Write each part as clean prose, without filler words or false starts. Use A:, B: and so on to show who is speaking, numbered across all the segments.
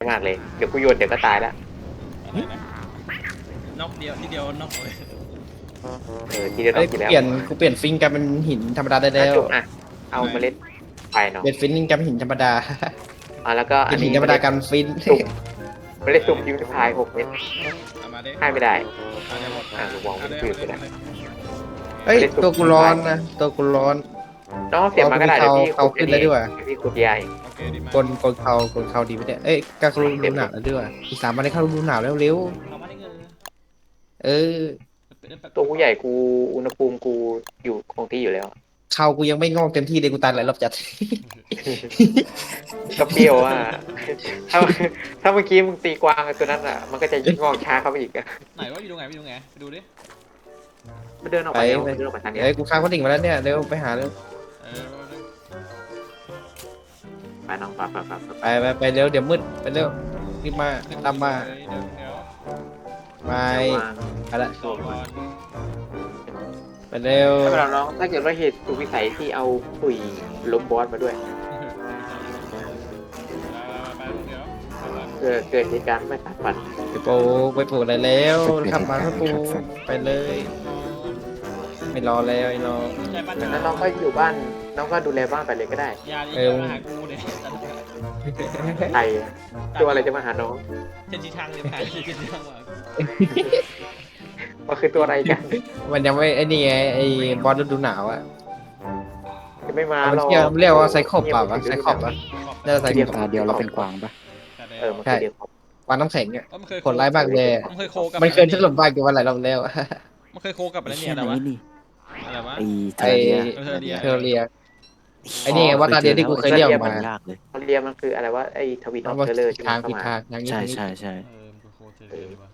A: มากเลยเดี๋ยวกูโยนเดี๋ยวก็ตายแล้ว
B: อะไรนะนอกเดียวทีเดียวนอกเลย
A: ทีเดียวต้
C: เอ้
A: อย งกินแล้ว
C: กูเปลี่ยนฟิงกลายเป็นหินธรรมดาได้แล้ว
A: จุกเอาเมล็ดไปเนาะ
C: เปลี่ยนฟินกลายเป็นหินธรรมดา
A: แล้วก็
C: เป็นหินธรรมดากันฟิน
A: เมล็ดสุ่มยูนิพาย6 เม็ด
B: เอามาดิ
A: ให้ไม่ได้
B: เอาเดี๋ยวหมด
A: กูมอง
B: เอา
A: ไม่
B: เลย
A: คืน
B: เอา
A: ไป
B: เลย
A: แล้ว
C: เอ้ยตัวกูร้อนนะตัวกูร้อน
A: น้องเสียบมาก็ได้เดี๋ยวพี่
C: เอาขึ้นแล้วด้วย
A: พี่ขุดยา
B: โอเคดีมาก
C: กลเขาดีไม่ได้เอ้ยกลางฤดูหนาวแล้วด้วยอีก3 วันได้เข้าฤดูหนาวแล้วเร็ว
B: เอามาได้เงิน
C: เออ
A: ตัวกูใหญ่กูอุณหภูมิกูอยู่คงที่อยู่แล้ว
C: เขากูยังไม่งอกเต็มที่เลยกูตายหลายรอบจัด
A: ก็เปรี้ยวอ่ะถ้าถ้าเมื่อกี้มึงตีกวางตัวนั้นอ่ะมันก็จะยิ่งงอกช้าเข้าไปอีกอ่ะ
B: ไหนว่าอยู่ตรงไหนไปดูไงไปดูดิ
A: มันเดินออกไปแล้วมันเดินออกไปทางนี้
C: เอ้ยกูค้างคนดิ่งมาแล้วเนี่ยเร็วไปหาเร็ว
B: เออ
A: ไปน้องไป
C: ไปเร็วเดี๋ยวมืดไปเร็วรีบมาตามมา
B: เดี๋ยว
C: ไปไปละ
B: ต่อก่อน
C: ไปเร็ว
A: ถ้าเราน้องถ้าเกิดว่าเหตุสุวิสัยที่เอาปุ๋ยล้มบอสมาด้วย
B: เดี๋ยว
A: เกิดเหตุการณ์ไม่คาดฝัน
C: ไปปลูกอะไรแล้วขับมาครับปูไปเลย ไม่รอแล้วไอ้น้อง
B: ใจปั้น
A: ดังนั้นน้องก็อยู่บ้านน้องก็ดูแลบ้านไปเลยก็ได้
B: ยาดีมาหากูเนี่ย
A: ใครตัวอะไรจะมาหาน้อง
B: เจนจีทางเลยผ่านเจนจีทางว่ะ
A: มันคือตัวอะไรกัน
C: มันยังไม่ไอ้นี่ไงไอ้บอลฤดูหนาวอ่ะ
A: จะไม่มา
C: มัน
A: หรอก
C: เรียกว่าไซคอบเปล่าวะไซคอบอ่ะน่าจะไซคอบ
D: ตาเดียวเราเป็นกวางปะ
A: มันคือเดียว
C: วางน้ำแข็งเนี่ย
B: มันเคย
C: ผลร้ายมากเลย
B: มันเคยโคกับ
C: มันเคยถล่มบ้านกูมาหลายรอบแล้ว
B: มันเคยโคกับอะไร
D: ไอ้
B: เนี่ย
D: เชี่ย
B: อะไร
D: ไหน
B: วะ
D: นี่
B: อะไรวะ
D: ไอ้เทอร์เรีย
C: เทอร์เรีย ไอ้นี่ไงว่าตาเดียวที่กูเคยเรียกออกมา
D: ยากเลย
A: มันเรียมันคืออะไรว่าไอ้ทวินออฟ
C: ว่า
A: เทเลอร์ที่
C: ทาง
A: เข้า
C: ผิด
A: มา
C: ทางอย่างนี้
D: ใช่ใช่ใช่
B: มันเคยโคเจอเลยว่ะ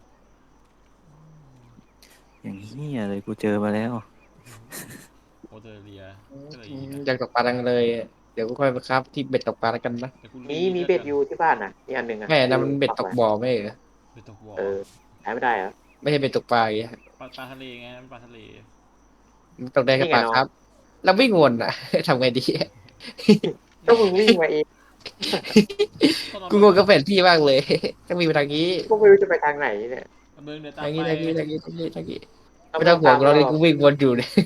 D: อย่างนี้ยเลยกูเจอมาแล้ว
B: โคเจอเรีย
C: อยากตกปลาดังเลย เดี๋ยวกูค่อยไปครับที่เบ็ดตกปลาแล้วกันนะ
A: มีเบ็ดอยู่ที่บ้านอ่ะอีกอันหนึ่งอ่ะ
C: แม่นั่นมันเบ็ดตกบ่อไม่เหรอ
B: เป็นตกวอ
A: ใช้ไม่ได้เหรอ
C: ไม่ใช่เบ็ดตกปลาอย่างเงี้ย
B: ปลาทะเลไงปลาทะเล
C: มันตกได้แค่ปลาครับ แล้ววิ่งวนอ่ะ ทำไงดี
A: ก็มึงวิ่งมาเอง
C: กูงงกับแผนที่มากเลย ต้องมีไปทางนี้
A: ก็ไม่รู้จะไปทางไหนเนี่ย
B: เบิ้งเดินตาม
C: ทาง
B: ไป
C: นี้ทางนี้ทางนี้ทางนี้ทางนี้ไม่ต้องห่วงเราเลยกูวิ่งวนอยู่เนี่ย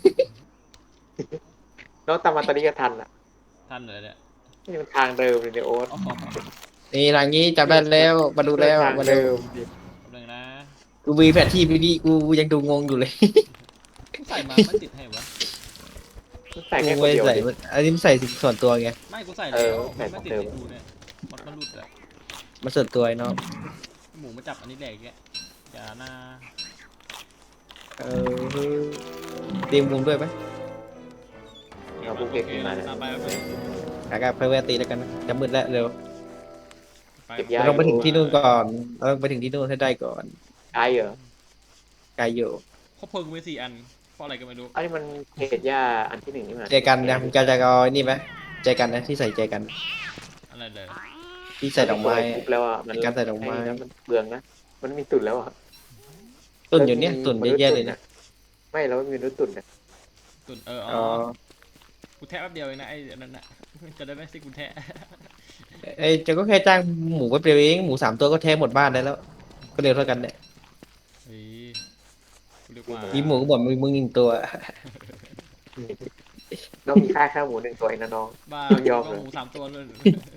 A: น้องตามมาตอนนี้ก็ทันอ่ะ
B: ท่านเลยเนี่ย
A: นี่มันทางเดิมเลยเนี่ยโอ๊ต
C: นี่ทางนี้จำได้แล้วมาดูแล้ว
A: ทาง
C: มาดู
A: เดิม
B: หนึ่งนะ
C: กูมีแผนที่ไปดีกูยังดูงงอยู่เลย
B: ใส่มาไม่ติดให้วะ
A: ใส่แค่
C: กู
A: คน
C: ไม่
A: เดียว
C: ใส่อันนี้มันใส่ส่วนตัวไง
B: ไม่กูใส่แล้วมันไม่ติดให้กูเนี่ยมันหลุดอะ
C: มันส่วนตัวไอ้เนาะ
B: หมูมาจับอันนี้แหลกแกอย่าหน้า
C: เออเตรียมมุมด้วยไหม
A: เราปุ๊บเด็กขึ้นมาเนี่ย
B: ตามไปไป
C: อากาศเพลเวตีแล้วกันนะจะมืดแล้วเร็ว
B: ไป
A: เก็บยา
C: เราต้องไปถึงที่นู่นก่อนเราต้องไปถึงที่นู่นให้ได้ก่อน
A: ไกลเหรอ
C: ไกลอยู่
B: ครบเพลิงกูมี4 อันเพราะอะไรก็ไม่รู้
A: อันนี้มันเหตุยาอันที่หนึ่งนี่มัน
C: เจกันนะมึงจะเอาไอ้นี่ไหมเจกันนะที่ใส่เจกัน
B: อะไรเลย
C: ที่ใส่ดอกไม้
A: ปุ๊บแล้วอ่ะมัน
C: การใส่ดอกไม้
A: มันเปลืองนะมันมีตุ่นแล้วอ่ะ
C: ตุ่นอยู่เนี่ยตุ่นเยอะแยะเลยนะ
A: ไม่แล้วมีนุตุ่นเนี่ย
B: ตุ่น
C: อ๋
B: อ๋อ
C: อ
B: กูแทะแป๊บเดียวเองนะไอ้นั่นน่ะจะได้ไม่สิกูแทะ
C: ไอ้เจะก็แค่จ้างหมูไปเปรียวเองหมู3 ตัวก็แท้หมดบ้านได้แล้ว ก็เร็วเท่ากันเนี่ย
B: เฮ้ยกูเรียกว่า
C: มีหมูก็บอกมึง1 ตัว
A: น้องมีค่าหมู1 ตัวเองนะน้อง
B: บ้า
A: ต้องยอมเลย
B: หมู3 ตัวเลย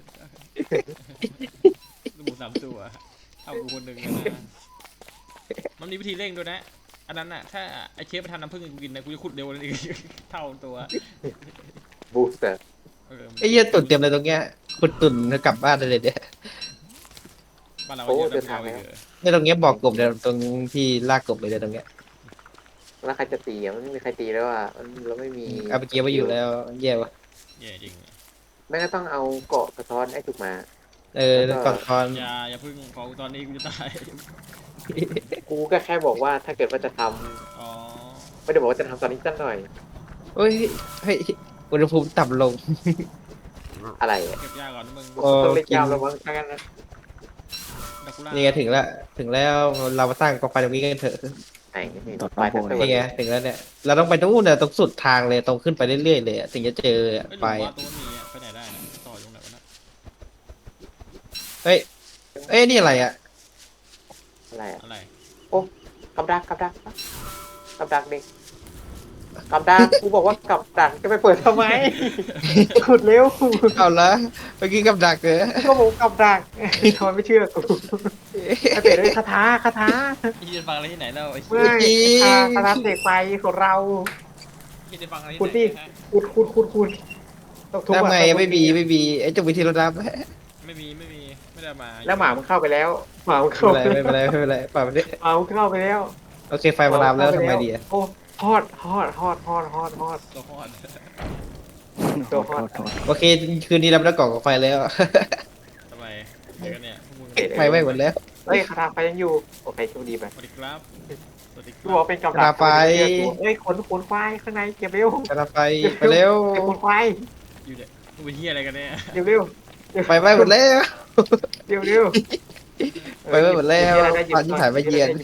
B: หมู3 ตัวเอากูคนหนึ่งนะมันมีวิธีเร่งด้วยนะอันนั้นน่ะถ้าไอ้เชฟไปทำน้ำผึ้งให้กูกินนะกูจะขุดเร็วเลยเท่าตัว
A: บูสเตอร์
C: ไอ้เหี้ยตุ่นเต็มเลยตรงเนี้ยขุดตุ่นกลับบ้านได้เลยเนี่ย
B: บ้านเราเยอะแบบเราเยอะ
C: เนี่ยตรงเนี้ยบอกกบเนี่ยตรงที่ลากกบเลยเนี่ยตรงเนี้ย
A: แล้วใครจะตีอ่ะมันไม่มีใครตีแล้วอ่ะมันเราไม่มี
C: เอาไปเกียร์ไว้อยู่แล้วแย่วะ
B: แย่จริง
A: แม่ก็ต้องเอาเกาะสะท้อนให้ถูกมา
C: แล้วก่อนคอน
B: อย่าพึ่งขอตอนนี้กูจะตาย
A: กูก็แค่บอกว่าถ้าเกิดว่าจะทำ
B: อ๋อ
A: ไม่ได้บอกว่าจะทำตอนนี้สักหน่อย
C: เฮ้ยเฮ้ยอุณหภูมิต่ำลง
A: อะไรอ่ะ
B: เก็บยาก่อนนะมึง
C: โอ้
A: ต้องเล่นยาวแล้วมั้งถ้างั้นนะ
B: ดักกูล่า
C: นี่ไงถึงแล้วเรามาสร้างกองไฟตรงนี้กันเถอะ
A: ไหนนี่
D: ตอด
A: ไฟ
D: น้ำโพ
A: ทั้ง
D: ย
A: ตัว
C: นี่ไงถึงแล้วเนี่ยเราต้องไปตรงนู้นเนี่ยตรงสุดทางเลยตรงขึ้นไปเรื่อยๆเลยอะถึงจะเจอ
B: ไม่
C: ไฟ
B: รู้ว่าตัวมีไปไหนได้นะต่อตรงไหนวะนะ
C: เฮ้ยเอ้ยนี่อะไรอ่ะ
A: อะไรอะ
B: อะไร
A: โอ้กับดักกับดักกับดักเด็กกับดักกูบอกว่ากับดักจะไปเปิดทำไมขุดเร็ว
C: เอาละเมื่อกี้กับดักเหรอ
A: ก็บอกว่ากับดักทำไมไม่เชื่อกูไอเป็ดเลยคาถาคาถา
B: พี่จะฟังอะไรที่ไหนแล้วไอ้
A: ไม่คาถาเสกไฟของเรา
B: พี่จะฟังอะไรที่
A: ขุด
B: ไหน
A: ดิ
B: ฮะ
A: ขุดต้องทุบ
C: ทำ
A: อะ
C: ไงไม่มีไอ้จุกวิธีรถรับ
B: ไม่มีไม่ได้มา
A: แล้วหมามันเข้าไปแล้วหมามันเข้า
C: ไม่เป็นไรไม่เป็นไรป่ามันเนี่ย
A: หมามันเข้าไปแล้ว
C: โอเคไฟมาลามแล้วทำไงดีอ่ะ
A: โอ้ฮอด
B: ตัวคอด
A: ตัวฮอด
C: โอเคคืนนี้เราไม่ได้ก่อกับไฟแล้ว
B: ทำไมเดี๋ยวกันเนี่ยพวกมึง
C: ไฟไหม้หมดแล้ว
A: เฮ้ยคาถาไฟยังอยู่โอเคโชคดีไป
B: สวัสดีครับสวัสดีค
A: กู
B: รั
A: บอก
B: บ
A: เป็นกับดั
C: คาถาไฟ
A: เฮ้ยขนควายข้างในเก็บเร็ว
C: กระไฟไปเร็ว
A: เก็บขนควาย
B: อยู่เนี่ยมึงเป็นเฮียอะไรกันเนี่ย
A: เก็บเร็ว
C: ไฟไหม้หมดแล้ว
A: เร็ว
C: ไปไหม้หมดแล้วปลาที่ถ่ายมาเยือน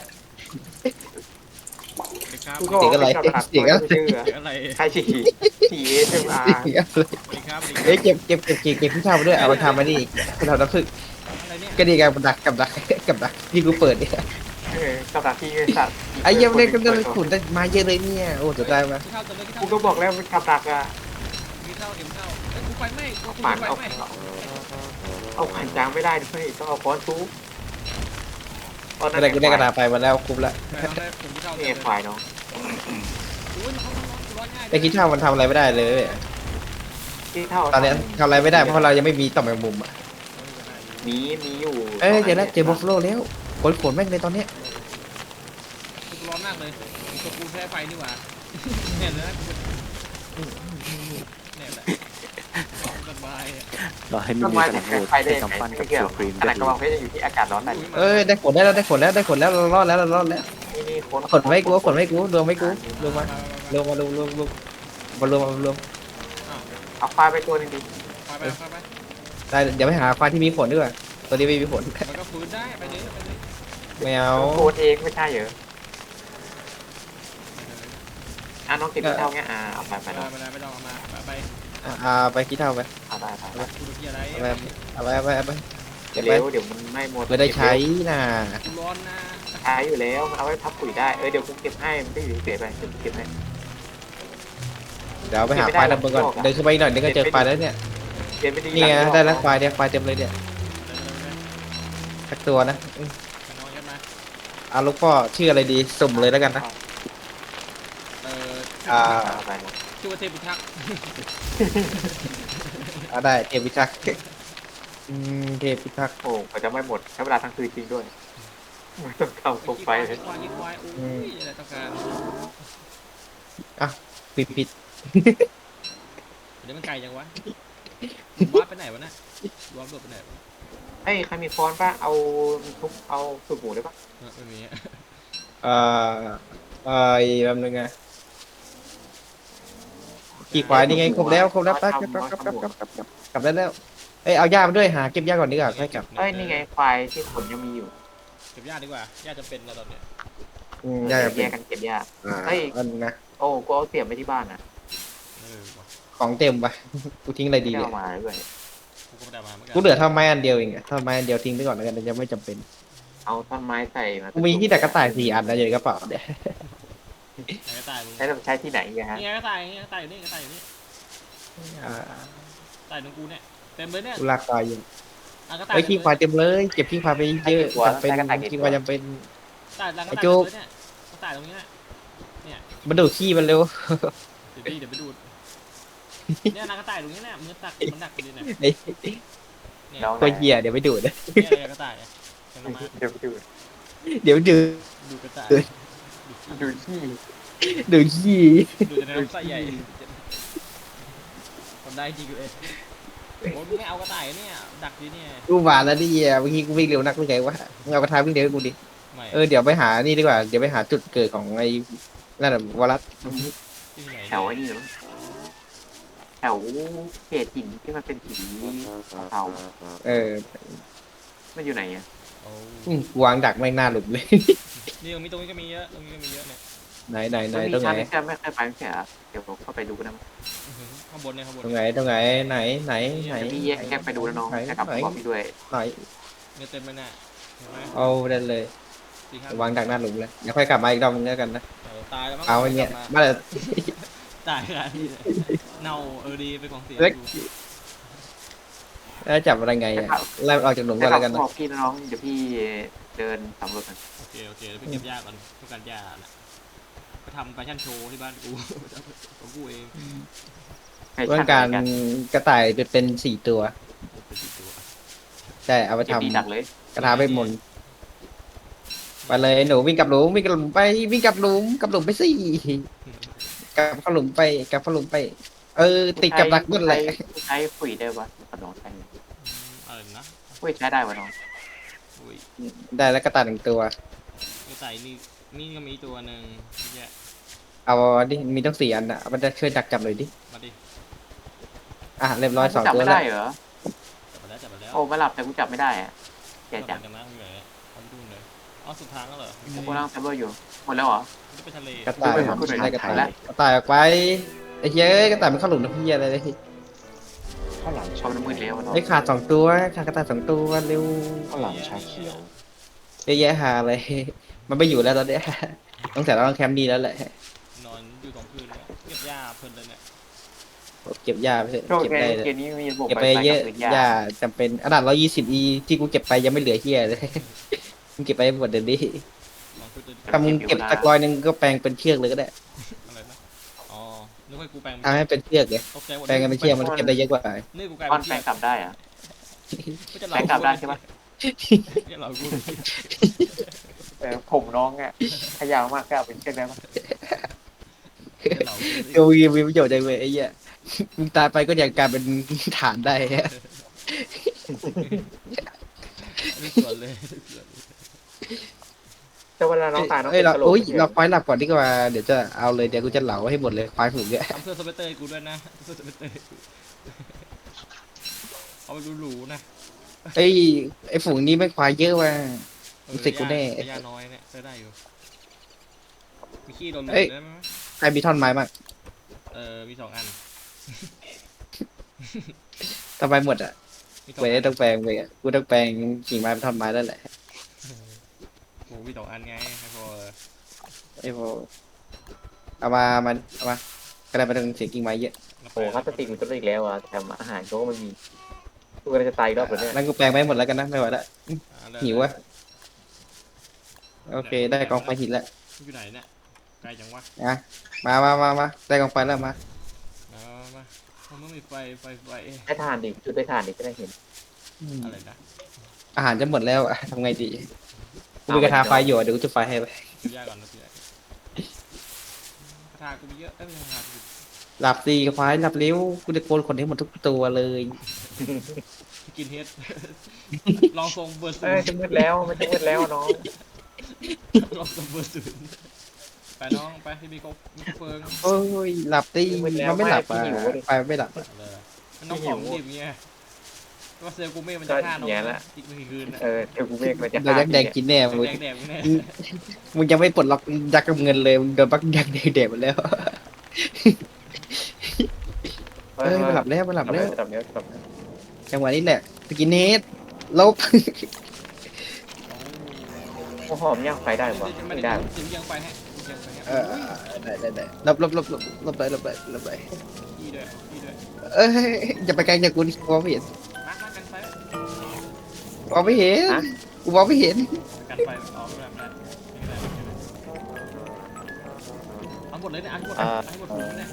B: สวัสดีครับ
A: กูก็บอกว่าเป็นกับดัก
C: เสียงอะไร
A: ไม่เชื่อ
B: เสียงอะไร
A: ใครฉี่เอสอาร์
B: สวัสดีครับสวัสดีครับ
C: เอ้ยเก็บพี่ชายมาด้วยเอามาทำมานี่คุณทำน้ำผึ้ง
B: อะไรเนี่ย
C: ก็ดีกันกับดักที่กูเปิดเนี่ย
A: กับดักที่สัตว์
C: ไอ้เยี่ยมเล่นก็ได้ขุนได้มาเยอะเลยเนี่ยโอ้จะได้มา
B: กินข้าวกันเลยกิน
A: กู
B: ข้าว
A: ก็บอกแล้วเป็นกับดักอะ
B: กินข้าวกินข้าวเอ้ยกูไฟไหม้กู
A: ฝัน
B: ไฟ
A: เอา
B: ไหม้
A: เอาผ่านจางไม่ได้ด้วยต้องเอาค้อนทุบ
C: อะไรกูได้กระดาษไปมาแล้วคุ้มละ
B: ไม่ต้องได้ผมกินข้าว
A: นี่
B: เลย
A: ควายเนาะ
B: โอ้ยมันร้อนง่าย
C: ไอ้คิดเท่ามันทำอะไรไม่ได้เลย
A: ที่เท่า
C: ตอนนี้ทำอะไรไม่ได้เพราะเรายังไม่มีต่อมแมงมุมอ่ะ
A: มีอยู่
C: เอ้ยเดี๋ยวนะเจอบัฟฟาโลแล้วขนแม่งเลยตอนเนี้ย
B: กูร้อนมากเลยตัวกูแพ้ไฟนี่หว่าเนี่ยนะเนี่ยแหละสบายอ่ะ
D: รอให้มี
A: ต้น
D: มี
A: ไม้
D: กำลังโหด
A: ไฟได้
D: เป็น
A: ยังไง
D: กำปั้นกับ
A: ไม่เกี่ยว
D: ตัวครีม
A: อะไร
D: จะ
A: กระบองเพชรจะอยู่ที่อากาศร้อนนั่น
C: เอ้ยได้ขนแล้วเรารอดแล้ว
A: นี่คน
C: ขนไม่กูรวมไม่กูรวมมารวม
A: เอาควายไปตัวนึงดิ
B: ไปไป
C: ได้เดี๋ยวไปหาควายที่มีขนดีกว่าตัวนี้ไม่มีขน
B: มันก็ฟื้นได้ไปเลยไปเลย
C: ไม่เอา
A: โคตรเองไม่ใช่เหรอน้องเก็บที่เท่าเงี้ยเอาไปเนาะ
B: ไม่ต้องเอามาไป
C: ไปคิดเท่าไป
A: เอาได้
B: กูดูที่อะไร
C: เอาไปเก็บไป
A: เร็วเดี๋ยวมันไม่หมด
C: ไม่ได้ใช้น่ะ
B: กูร้อนนะ
A: ใช้อยู่แล้วมันเอาไว้พับปุ๋ยได้เดี๋ยวกูเก็บให้มันไม่อยู่เฉยไปเก็บให้
C: เดี๋ยวไปหาควายดำเบิก่อนเดินขึ้นไปอีกหน่อยเดี๋ยวก็เจอควายแล้วเนี่ย
A: เก็บไม่ดี
C: นี่ไงได้แล้วควายเนี่ยควายเต็มเลยเนี่ยสักตัวนะ
B: น้องยัดมา
C: เอาลูกพ่อชื่ออะไรดีสุ่มเลยแล้วกันนะ
A: เอาไป
B: ชื่อว่าเทพิทักษ์
C: ได้เทพิทักษ์เทพิทักษ์
A: โอ้ก็จะไม่หมดใช้เวลาทั้งคืนจริงด้วยไม่ต้องทำโคมไฟเลย
B: ยิงควายโอ้ยอะไรต้องการ
C: ผิด
B: เดี๋ยวมันไกลจังวะวัดไปไหนวะน่ะวัดโดดไปไหนวะ
A: เอ้ยใครมีค้อนป่ะเอาทุบเอาสูบหมูได้ป่ะ
B: ไม่มี
C: อีกแบบนึงไงขี่ควายนี่ไงครบแล้วไปกลับได้แล้วเอ้ยเอาหญ้ามาด้วยหาเก็บหญ้าก่อนดีกว่าค่อยกลับ
A: เอ้ยนี่ไงควายที่ขนยังมีอยู่
B: เก็บหญ้าดีกว่าหญ้าจะเป็นแล้วตอนเนี้ย
C: หญ้า
A: แยกกันเก็บหญ้า
C: อันนะ
A: โอ้กูเอาเสียบไปที่บ้านนะ
C: ของเต็มไปกูทิ้งอะไรดี
A: ไม่
C: เนี่ย
A: เอามาด้วย
B: กูก็ไม่ได้มาเหมือนกัน
C: กูเหลือท่อนไม้อันเดียวเองท่อนไม้อันเดียวทิ้งไปก่อนแล้วกันจะไม่จำเป็น
A: เอาต้นไม้ใส่มา
C: กูมีที่ดักกระต่าย4 อันนะอยู่ในกระเป๋าเนี่ย
B: กระต่ายมึง
A: ใช้ใช้ที่ไหนกันฮะ
B: นี่ไงกระต่ายนี่กระต่ายอยู่นี่กระต่ายอยู่นี่กระต่ายตรงกูเนี่ยเต็มเลยเนี่ย
C: กูลากควายอยู่
B: กระต่าย
C: ไอ้ขี้ควายเต็มเลยเก็บขี้ควายไปเยอะจำเป็นขี้ควายจำเป็น
B: กระต่ายกระต่ายเนี่ยกระต่ายตรงนี้เนี่ย
C: มันดูดขี้มันเร็ว
B: เดี๋ยวไปดูดเนี่ยนางกระต่ายตรงนี้เนี่ยมันดักอยู่เนี่ย
C: ไอ้
B: เนี่ย
C: ตัวเหี้ยเดี๋ยวไปดูด
B: อะไรกระต่ายเห็นไหม
A: เดี๋ยวดู
C: เดี๋ยวดูด
B: ดูกระต่าย
A: ดูขี้
C: ดูดขี้
B: ดูในน้ำใสใหญ่ทำได้จริงเลยโอ้ยไม่เอากระต่ายเนี่ยดักดิเนี่ย
C: กูหวานแล้วดิเมื่อกี้กูวิ่งเร็วนักไม่ไงวะเอากระทาวิ่งเร็วกูดิ
B: ไม่
C: เดี๋ยวไปหานี่ดีกว่าเดี๋ยวไปหาจุดเกิดของไอ้นั่นแหละวรัส
B: ที่ไหน
A: แถวไอ้นี่เหรอแถวเขตหินที่มันเป็นสีเทา มันอยู่ไหนอ่ะ
B: โอ้
C: วางดักไม่งหน้าหลุมเลย
B: นี่ตรงนี้ก็มีเยอะตรงนี้ก็มีเยอะเนี่ย
C: ไหน
A: มันมี
C: ตรงไหน
A: ชั้นที่ไม่เคยไปไม่ใช่เหรอเดี๋ยวผมเข้าไปดูกันนะ
B: ข้างบนเนี่ยข้างบน
C: ตรงไหนไหน
A: เดี๋ยวพี่แยกไปดูแล้วน้องจะกลับมาบอกพี่ด้วย
C: ไหน
B: เนี่ยเต็มไปเนี่ยเห็นไหม
C: เอาได้เลย
B: 4-5
C: วางดักหน้าหลุมเลยเดี๋ยวค่อยกลับมาอีกรอบนึงแล้วกันนะ
B: ตายแล้วมั้ง
C: เอาไอ้เนี่ย
B: กลับ
C: มาเลย
B: ตายแล้วนี่เลยเน่าดีเป็นของเสีย
C: เล็ก
B: กู
C: แล้วจับอะไรไงอ่ะไล่มันออกจากหลุม
A: แต่
C: ก่อนแล้วกัน
A: บ
C: นะ
A: อกพี่น้องเดี๋ยวพี่เดินสำรวจกัน
B: โอเคเดี๋ยวไปเก็บหญ้าก่อนต้องการหญ้าแหละไปทำแฟชั่นโชว์ที่บ้านกู ของกูเอง
A: ให้
C: ต้อ
A: ช่าง
C: งการ
A: กัน
C: กระต่ายเป็น4 ตัว
B: เป็นกี่ตัว
C: ใช่เอาไป
A: เก็บ
C: ทำ
A: ดีดักเลย
C: กระทาเวทมนต์ไปเลยหนูวิ่งกลับหลุมวิ่งกลับหลุมไปวิ่งกลับหลุมกลับหลุมไปสิกลับเข้าหลุมไปกลับเข้าหลุมไป ติดกับดักนั่นแหละ
A: ใช้คุยได้ปะกับน้องใช้
B: อะไรนะ
A: คุยใช้ได้ปะน้อง
B: อุ้ย
C: ได้แล้วกระต่าย1 ตัว
B: กระต่ายนี่ก็มีตัวหนึ่งเนี่ย
C: เอาดิมีต้อง4 อันอ่ะมันจะช่วยดักจับเลยดิ
B: มาดิ
C: เรียบร้อย
A: กู
C: 2
A: จับ
C: ตัว
A: ไม่
C: แล้ว
A: ได้เหรอ
B: จับมาแล้ว
A: โอ้มาหลับแต่กูจับไม่ได้อะแกจับ
B: กันนะอยู่ไหนเอาไปดูหน่อยอ๋อสุดทางแล้วเหรอ
A: กูนั่งเซิร์ฟเวอร์อยู่หมดแล้วเหรอ
B: จะไปทะเล
C: กระต่าย
A: กูไปหา
C: ได้กระต่าย
A: แล้ว
C: กระต่ายออกไปไอ้เหี้ยกระต่ายมันเข้าหลุมน้ำพี่อะไรเลย
D: ข้าวหลาม
A: ชอบน้ำมืดแล้วอะน้อง
C: ไอ้ขาด2 ตัวขาดกระต่าย2 ตัวเร็ว
D: ข้าวหลามชาเขียว
C: เยอะแยะหาเลย มันไม่อยู่แล้วตอนเนี้ยต้องแต่เราต้องแคมป์ดีแล้วแหละ
B: นอนอยู่ตรงพื้นเนี่ยเก็บหญ้าเพลินเลยเนี่ย
C: เก็บยาไปเถอะ
A: โชค
C: เก็บ
A: ดี
C: ได้เลย
A: เกมนี้มีระบบ
C: เก็บไปเยอะ
A: ยาย
C: าจำเป็นขนาด120 ที่กูเก็บไปยังไม่เหลือเฮียเลย มึงเก็บไปหมดเดี๋ยวนี้
B: ลองพูดดู
C: ถ้ามึงเก็บสัก100ก็แปลงเป็นเชือกเลยก็ได้
B: อะไรนะอ๋อนึกว่ากูแปลง
C: ทำให้เป็นเชือกเลย
B: ตกใจหมด
C: แปลงกันเป็นเชือกมันเก็บได้เยอะกว่า
B: นี่กูกลาย
A: ป้อ
B: เป็น น
A: แปลงกลับได้อะ
B: ก็จะ
A: แปลงกลับได้ใช่ปะ
B: เนี่ยเรากู
A: ผมน้องอ่ะขยาวมากก็เอาเป็นเช่นนั้น
B: เรา
C: ดูมีประโยชน์จังเลยไอ้เหี้ยมึงตายไปก็ยังกลายเป็นฐานได้ฮะ
B: ไม่สวนเลย
A: แต่เวลาน้องตายน้อง
C: เอ้ยเรา
A: เป็นกะโหลก
C: อุ้ย
A: นี่ย
C: เราควายหลับก่อนดีกว่าเดี๋ยวจะเอาเลยเดี๋ยวกูจะเหลาให้หมดเลยควายฝูงเนี่ย
B: ทำเสื้อสเปเตอร์ให้กูด้วยนะเสื้อสเปเตอร์เอาไปดูหรูนะ
C: ไอ้ฝูงนี้ไม่ควายเยอะว่ะ รู้สึกกูแน่
B: ยาน้อยเนี่ยใช้ได้อยู่มีขี้โดน
C: เอ้ย
B: ได้ไหม
C: ใครมีท่อนไม้บ้าง
B: มี2 อัน
C: ทำไมหมดอ่ะ
B: มี2
C: เว้ย
B: อัน
C: ต้องแปลงเว้ยกูต้องแปลงกิ่งไม้เป็นท่อนไม้แล้วแหละ
B: โอ้มี2 อันไงไม่พอ
C: ไอ้พอเอามาก็ได้มาถึงเสียงกิ่งไม้เยอะ
A: โอ้พลาสติกมันจะได้อีกแล้วอ่ะแถมอาหารเขาก็ไม่มีกูกำลังจะตายอีกรอบเลยเนี่ย
C: แล้วกูแปลงไปหมดแล้วกันนะไม่ไหวละหิวอะโอเคได้กองไฟหินแล้ว
B: อยู่ไหนเนี่ยไกลจังวะ
C: อ่ะมาได้กองไฟแล้วมา
B: มามันไม่มีไฟไฟ
A: ได้ทานดิจุดได้ทานดิจะได้เห็น
B: อะไรนะ
C: อาหารจะหมดแล้วอะทำไงดีกูมีกระทาไฟอยู่อะเดี๋ยวกูจะไฟให้ไป
B: ดูยากก่อนนะพี่กระทากูมีเยอะไม่กระทากู
C: หลับสิไฟหลับเร็วกูจะโกนขนให้หมดทุกตัวเลย
B: กินเฮด ลองทรงเบอร์ศู
A: เอ้ย
B: นย์
A: จะมืดแล้วมันจะมืดแล้วน้อง
B: ลองทรงเบอร์ศูนย์ไปน้องไปที่มีเฟิง
C: โอ้ยหลับดิมันไม่หลับอ่ะไฟไม่หลับ
B: เลยน้องของดิบเงี้ยว่าเซลกูเม่มันจะฆ่าน้องอีก1 คืน
A: เทลกูเมกมันจะ
C: โดนยักษ์แดงกินแน่มึง
B: แดงแน่
C: มึงยังไม่ปลดล็อกยักษ์กับเงินเลยมึงโดนบักยักษ์แดงหมดแล้วเอ้ยมันหลับแล้วมันหลับแล้ว
A: หลับแล้วหลับแล้ว
C: จังหวะนี้แหละสกินเฮดลบ
A: โอ้หอมย่างไฟได้ปะไม่ได้
B: ถึงยังไปให้ยังไปให้
C: เออได้ลบไป
B: พี่ด้วยพี่ด้วย
C: เอ้ยอย่าไปไกลจากกูดิมองไม่เห็น
B: มากันไฟ
C: มองไม่เห็นกูมองไม่เห็น
B: กันไฟออกไม่ได้เอาหมดเลยเนี่ยอันหมดเนี่ย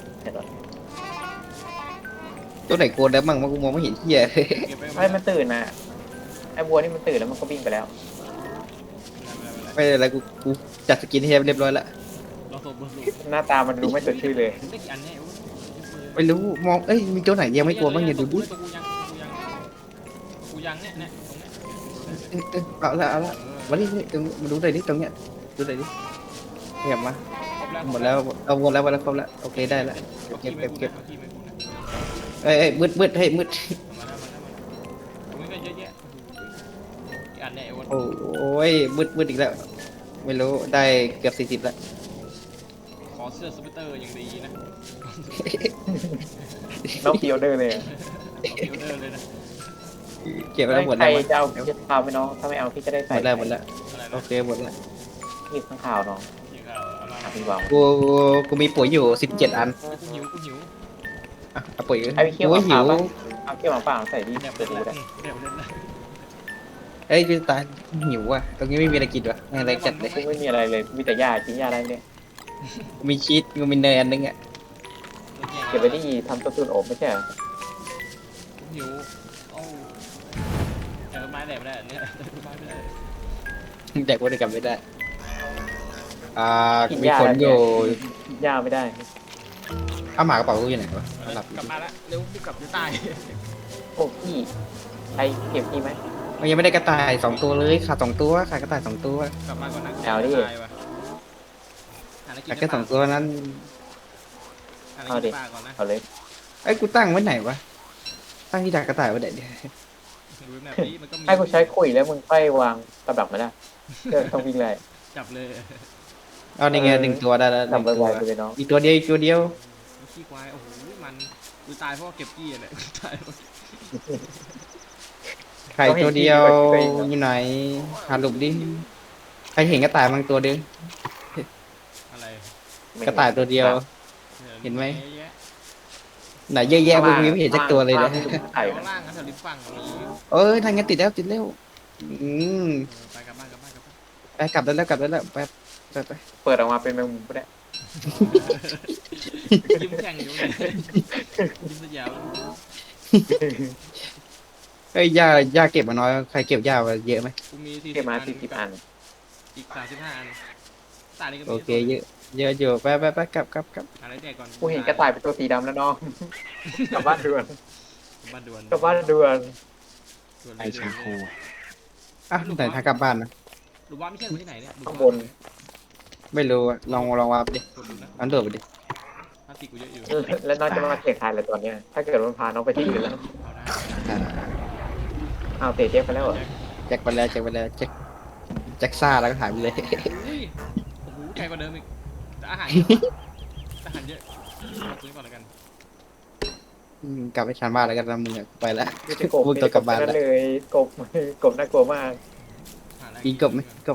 C: ตัวไหนโกนแล้วมั่งว่ากูมองไม่เห็นเหี้ย
B: เก็บไป
A: ให้มันตื่นนะไอ้บัวนี่มันตื่นแล้วมันก็วิ่งไปแล้ว
C: ไม่เป็นไรกูจัดสกินเฮดเรียบร้อยแล้ว
B: ลองโซเบอร์ลู
A: หน้าตามันดูไม่สดชื่นเลย
B: ได้กี่อันเนี่ย
C: ไม่รู้มองเอ้ยมีตัวไหนยังไม่กลัวบ้างเนี่ยดูดิ
B: กูยังเนี่ยตรงเนี้ย
C: เอาละมาดิตรงมาดูหน่อยดิตรงเนี้ยดูหน่อยดิเก็บมาหมดแล้วเอาหมดแล้วครบแล้วโอเคได้แล้วเก็บเอ้ยมืดเฮ้ยมืด
B: มาแล้วตรงนี้ก็เยอะแยะกี่อันเนี่ยไอ้วัน
C: โอ้ยมืดอีกแล้ว ไม่รู้ได้เกือบ40แล้ว
B: ขอเสื้อสเปเตอร์อย่างดีนะ
A: น้องพีออเดอร์เลย
B: ขอพิวเดอร์เลยนะ
C: เก็บไป
A: ใค
C: แล้วหมดแล้ว
A: รจะเอาพี่จะพาไปน้องถ้าไม่เอาพี่จะได้
C: หม
A: ใส่
C: ดแล้วหมดแล้ว
B: อะไร
C: โอ
B: นะ
C: เคหมดแล้ว
A: พี่ข้างข่าวน้อง
B: ยิงข่าวเอามา
A: พี่วาง
C: กูมีปุ๋ยอยู่17 อัน
B: กูหิว
C: อ่ะเอาปุ๋ย
A: ไอ้พี่เคี่ยว
C: กู
A: หมา
C: หิ
A: ป่าว ปะเอาเคี่ยวหมาป่าใส่ดิ
B: แดบ
A: เปิ
B: เล่
A: ด
B: น
A: ดู
B: ละ
A: ได้
B: แดบเล่นละ
C: เอ้ยกูตายหิวอ่ะตรงนี้ไม่มีอะไรกินวะอะไรจัดเลย
A: กูไม่มีอะไรเลยมีแต่หญ้ากินหญ้าได้เนี่ย
C: กูมีชีสกูมีเนยอันนึงอ่ะ
A: เก็บไว้ที่ทำตัวตุนอบไม่ใช่เหรอ
B: หิวโอ้ไม้แดบไม่ได้เนี่ยไม้ไม่ได้
C: แดกว่าได้กลับไม่ได้มีผลอยู่
A: หญ้าไม่ได้
C: เอาหมากระเป๋ากูอยู่ไหนวะหลับ
B: กลับมาละเร็วรีบกลับจะตาย
A: โอ้พี่ใครเก็บพี่ไหม
C: มันยังไม่ได้กระต่าย2 ตัวเลยขาด2 ตัวขาดกระต่าย2 ตัว
B: กลับมาก่อนนะ
A: เอาดิ
B: ตายว่ะหาอะไรกิน
C: ขาดแค่2 ตัวนั้น
B: หาอะไรกินปลาก่อนนะ
A: เอาเลย
C: เอ้ยกูตั้งไว้ไหนวะตั้งที่ดักกระต่ายไว้ไหนเนี่ย
B: ดูแบบนี้มันก็มี
A: ให้กูใช้คุยแล้วมึงค่อยวางกับดักมาได้เดินต้องวิ่งเลย
B: จับเลย
C: เอาในไง1 ตัวได้แล้วห
A: ดั
C: นึ่
A: บ
C: งตัว
A: ไวๆไปเลยน้อง
C: อีกตัวเดียวอีกตัวเดียว
B: ขี้ควายโอ้โหมันกูตายเพราะว่าเก็บกี้อะเนี่ยกูตายเพราะ
C: ไข่ตัวเดียวอยู่ไหนหาหลุมดิใครเห็นกระต่ายมั้งตัวเดียว
B: อะไร
C: กระต่ายตัวเดียว เห็นไหม
B: เยอะแยะ
C: ไหนเยอะแยะกูยังไม่เห็นสักตัวเลยนะ
A: ไข่
B: ข้างล่างนะแถวริมฝั่งมี
C: เอ้ยทางงั้นติดแล้วติดแล้วม
B: ไปกลับบ้านกลับบ้านกลับบ้าน
C: ไปกลับได้แล้วกลับได้แล้วไป
A: เปิดออกมาเป็นแมงมุมก็ได้
B: ยิ้มแข่งอยู่เลยยิ้มสยาม
C: เอ้ยย่าเก็บมาน้อยใครเก็บย่ามาเยอะไหม
B: กูมี40
A: เก็บมา40 อัน
B: อีก35 อันตานี่ก็มี
C: โอเคเยอะเยอะอยู่ไปกลับ
B: อะไรแดกก่อน
A: กูเห็นกระต่ายเป็นตัวสีดำแล้วน้องกลับบ้านด่วน
B: บ้านด่วน
A: กลับบ้านด่วน
B: ด่วน
D: ไอ
B: เลย
D: ชาโค
C: อ่ะไหนทางกลับบ้านนะ
B: หรือว่าไม่ใช่ที่ไหนเนี่ย
A: ข้างบน
C: ไม่รู้อะลองวาร์ปดิ
B: กดดูนะ
C: อันโดดไปดิ
B: ถ้าติกูเยอะอยู่
A: แล้วน้องจะมาเสียงทายอะไรตอนเนี้ยถ้าเกิดมันพาน้องไปที่อื่นแล้ว
B: เอาได้
C: อ่า
A: อ้าวเตะเจ๊ไปแล้วเหรอ
C: แจ็คไปแล้วแจ็คซ่าแล้วก็หายไปเลย
B: อุ้ยโอ้โหไกลกว่าเดิมอีกแต่อาหารอาหารเยอะซื้อก่อนแล้วกัน
C: กลับไปชานบ้านแล้วกันนะมึงอะไปแล้ว
A: ไม่ใช่กบ
C: มึงตัวกลับบ้าน
A: นั่
C: แล้ว
A: นเลยกบน่ากลัวมาก
B: หาอะไร
C: มีกบไหมกบ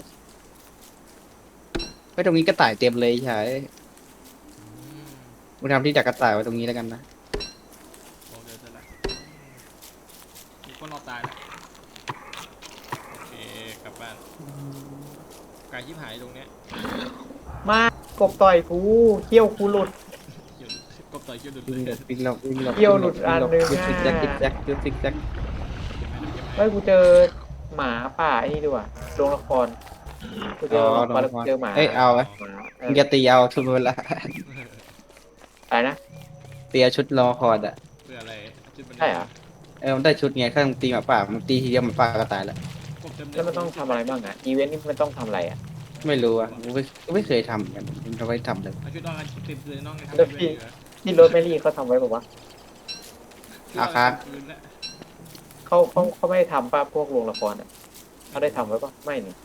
C: ไว้ตรงนี้กระต่ายเต็มเลยใช่
B: อืม
C: มึงทำที่ดักกระต่ายไว้ตรงนี้แล้วกันนะ
B: โอเคเสร็จแล้วมีคนรอตายแล้วโอเคกลับบ้านไก่ชิบหายตรงเนี้ย
A: มากกบต่อยกูเขี้ยวกูหลุด
B: เกี่ยวกบต่อยเกี่ยวดุดเล
C: วิ่
B: ย
C: งหลบ
A: เกี่ยวหลุดอันหนึ่ง
C: ยุดซิกแซกซิกแซกยุดซิกแซก
A: เฮ้ยกูเจอหมาป่าไอ้นี่ด้วยโรงละครกูเจอหมาแล้วกูเจอหมา
C: เอ้ยเอาไหม
A: หมาเอ
C: มึ
A: อง
C: จะตีเอาชุดเวลา
A: อะไรนะ
C: ตีเอาชุดรอคอร์ดอ่ะ
B: เพื่ออะไรจุดมัน
A: ใช่เหรอ
C: มันได้ชุดไงข้างตีหมาป่ามันตีทีเดียวหมาป่าก็ตายแล้ว
B: กบเต็มเลย
A: แล้วมันต้องทำอะไรบ้างอ่ะอีเวนต์นี่มันต้องทำอะไรอ่ะ
C: ไม่รู้อ่ะกูไม่เคยทำเหมือนกันมึงทำไมทำเลย
B: เอาชุดนอนกันเต็มเลยน้องไง
A: แล้วพี่ ที่รถแมรี่เขาทำไว้บอกว่า
B: คืนละ
A: เขาไม่ได้ทำป่ะพวกโรงละครอ่ะเขาได้ทำไว้ป่ะไม่นี่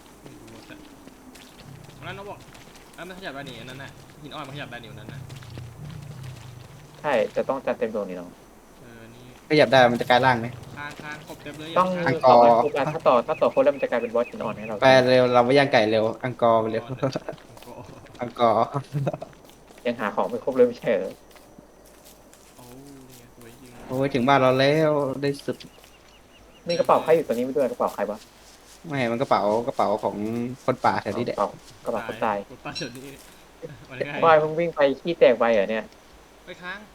B: นั้นน้องบอกมันขยับได้หนิอันนั้นน่ะหินอ่อนมันขยับได้หนิอันนั้นน่ะ
A: ใช่จะต้องจัดเต็มตัวนี่น้อง
B: นี่
C: ขยับได้มันจะกลายร่างไหม
B: ค้างกบเต็มเลย
A: ต้อง
C: อังก
A: ต่
C: อ
A: อ
C: ร์
A: กันทุกอันถ้าต่อคนแล้วมันจะกลายเป็นบอสหินอ่อนให้เรา
C: ไปเร็วเราไปย่างไก่เร็วอังกอร์ไปเร็วอังกอร์
A: ยังหาของไม่ครบเลยไม่ใช่เหรอ
B: โอ้เนี่ยสวยจริง
C: โอ้ยถึงบ้านเราแล้วได้สุด
A: มีกระเป๋าใครอยู่ตัวนี้ไม่ด้วยกระเป๋าใครวะ
C: ไม่มันกระเป๋ของคนป่าแถวนี้แหละ
A: กระเป๋าคนตาย
B: กดป้าเฉยนี่มันง่าย
A: บอยมึงวิ่งไปขี้แตกไปเหรอเนี่ย
B: ไปค้าง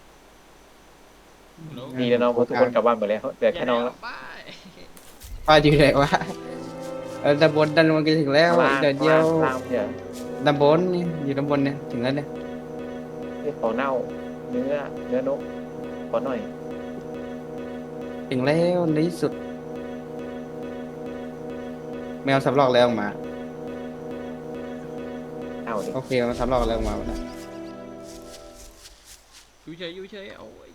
A: ดีแล้วน้องเพราะทุกคนกลับบ้านหมดแล้วเหลือแค่น้องแล้ว
B: ไป
C: ป้าอยู่ไหนวะด้านบนก็ถึงแล้ว
A: ล่าง
C: เดี๋ยวเดียว
A: ล่างเดี๋ยว
C: ด้านบนนี่อยู่ด้านบนเนี่ยถึงแล้วเนี่ย
A: นี่ขอเน่าเนื้อนกขอหน่อย
C: ถึงแล้วในที่สุด แมวสำรอกแล้วออกมา
A: เอาดิ
C: โอเคมันสำรอกแล้วออกมาแล้ว
B: อยู่เฉยโอ้ย